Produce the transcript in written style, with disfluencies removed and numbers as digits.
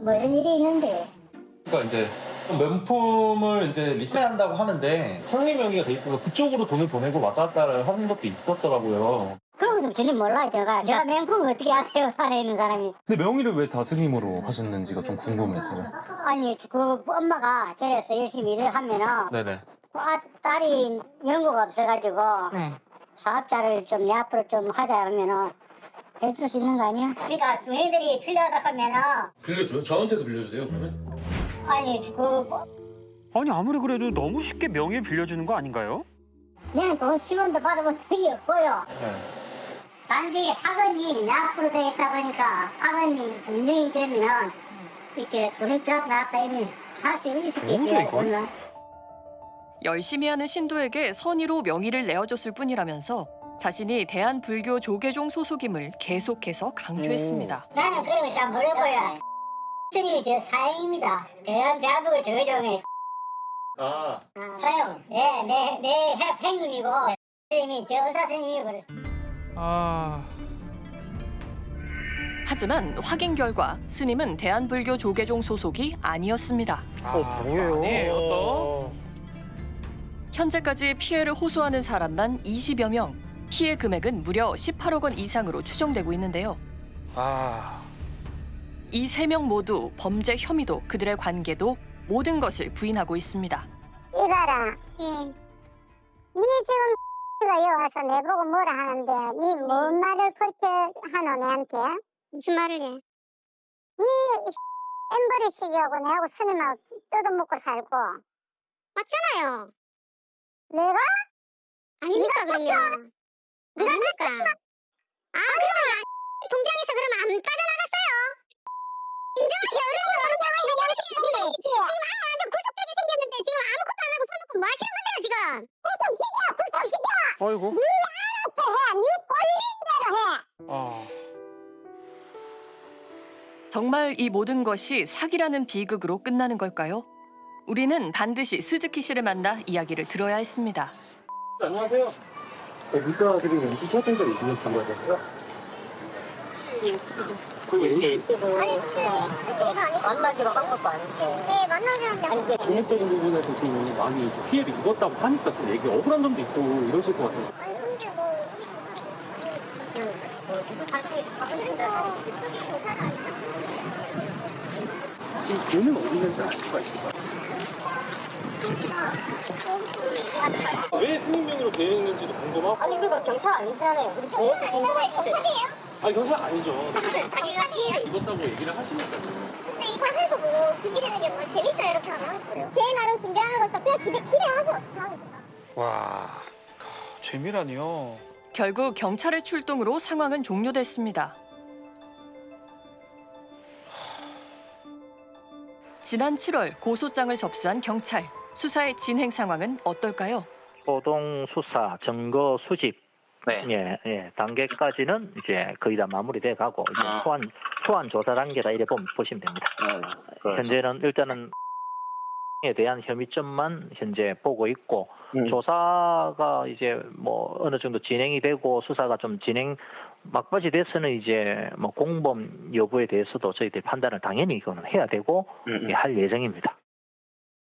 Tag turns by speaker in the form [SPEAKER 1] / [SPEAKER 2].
[SPEAKER 1] 무슨 일이 있는데?
[SPEAKER 2] 그러니까 이제 명품을 이제 리셀한다고 하는데 상리 명의가 돼 있어서 그쪽으로 돈을 보내고 왔다 갔다 하는 것도 있었더라고요.
[SPEAKER 1] 그런 것도 전혀 몰라요, 제가 명품을 어떻게 알아요, 산에 있는 사람이.
[SPEAKER 2] 근데 명의를 왜 다스님으로 하셨는지가 좀 궁금해서요.
[SPEAKER 1] 아니, 그 엄마가 저래서 열심히 일을 하면은
[SPEAKER 2] 네네.
[SPEAKER 1] 딸이 연고가 없어가지고
[SPEAKER 3] 네.
[SPEAKER 1] 사업자를 좀 내 앞으로 좀 하자 하면은 해줄 수 있는 거 아니야? 그러니까 너희들이 필요하다 하면은
[SPEAKER 2] 빌려줘요? 저한테도 빌려주세요 그러면?
[SPEAKER 1] 아니
[SPEAKER 4] 아니 아무리 그래도 너무 쉽게 명예 빌려주는 거 아닌가요?
[SPEAKER 1] 그냥 돈 10원도 받아본 적이 없고요.
[SPEAKER 2] 네.
[SPEAKER 1] 단지 학원이 내 앞으로 되겠다 보니까 학원이 분명히 되면은 이렇게 돈이 필요하다 이러면 할 수 있을
[SPEAKER 4] 뭐죠, 이건?
[SPEAKER 1] 있겠죠.
[SPEAKER 5] 열심히 하는 신도에게 선의로 명의를 내어줬을 뿐이라면서 자신이 대한불교 조계종 소속임을 계속해서 강조했습니다.
[SPEAKER 1] 나는 그런 거 잘 모르고요. 스님이 제 사형입니다. 대한민국 조계종의
[SPEAKER 2] 아.
[SPEAKER 1] 사형. 내 행님이고 스님이 제 의사 스님이고 그랬어.
[SPEAKER 5] 하지만 확인 결과 스님은 대한불교 조계종 소속이 아니었습니다.
[SPEAKER 4] 뭐예요? 아니에요 또?
[SPEAKER 5] 현재까지 피해를 호소하는 사람만 20여 명, 피해 금액은 무려 18억 원 이상으로 추정되고 있는데요. 이 세 명 모두 범죄 혐의도 그들의 관계도 모든 것을 부인하고 있습니다.
[SPEAKER 1] 이봐라. 니 지금 가 여기 와서 내보고 뭐라 하는데 니 뭔 말을 그렇게 하노 내한테? 무슨 말을 해? 니 엠버리식이하고 내하고 스님하고 뜯어먹고 살고 맞잖아요. 내가? 아닙니까 그러면? 네가 쳤어? 아 그러면 동장에서 그러면 안 빠져나갔어요? 인정하지 않으면 지금 완전 구속되게 생겼는데 지금 아무것도 안 하고 손 놓고 뭐 하시는 건데요 지금? 구속시켜 구속시켜.
[SPEAKER 4] 아이고.
[SPEAKER 1] 네 알아서 해. 네 꼴린 대로 해.
[SPEAKER 5] 정말 이 모든 것이 사기라는 비극으로 끝나는 걸까요? 우리는 반드시 스즈키 씨를 만나 이야기를 들어야 했습니다.
[SPEAKER 2] 안녕하세요. 문자 드리는 인터센터 있으면 전화드려요.
[SPEAKER 1] 아니 근데 이거 아니 만나기로 한 것도 아닌데. 네 만나기로 한데. 아니 근데
[SPEAKER 2] 금액적인 부분에서 좀 많이 좀 피해를 입었다고 하니까 좀 얘기 억울한 점도 있고 이러실 것 같아요.
[SPEAKER 1] 아니 근데 뭐 지금 단순히 사람들인데 이쪽이 조사가 있어.
[SPEAKER 2] 지금 돈은 어디 있는지 알 수가 있을까요? 왜 승인 명의로 되어 있는지도 궁금하고.
[SPEAKER 1] 아니 그러니까 경찰 아니잖아요. 왜 경찰이에요?
[SPEAKER 2] 아니 경찰 아니죠.
[SPEAKER 1] 자기가 피해를
[SPEAKER 2] 입었다고 얘기를 하시니까요.
[SPEAKER 1] 근데 이거 해서 뭐 준비되는 게 뭐 재밌어요 이렇게 하면 제 나름 준비하는 거서 그냥 기대하세요.
[SPEAKER 4] 와, 재미라니요.
[SPEAKER 5] 결국 경찰의 출동으로 상황은 종료됐습니다. 지난 7월 고소장을 접수한 경찰. 수사의 진행 상황은 어떨까요?
[SPEAKER 6] 소동 수사, 증거 수집,
[SPEAKER 2] 네.
[SPEAKER 6] 단계까지는 이제 거의 다 마무리돼 가고 이제 소환 조사 단계다 이래 보시면 됩니다. 현재는 일단은 에 대한 혐의점만 현재 보고 있고 조사가 이제 뭐 어느 정도 진행이 되고 수사가 좀 진행 막바지 돼서는 이제 뭐 공범 여부에 대해서도 저희들이 판단을 당연히 이거는 해야 되고 할 예정입니다.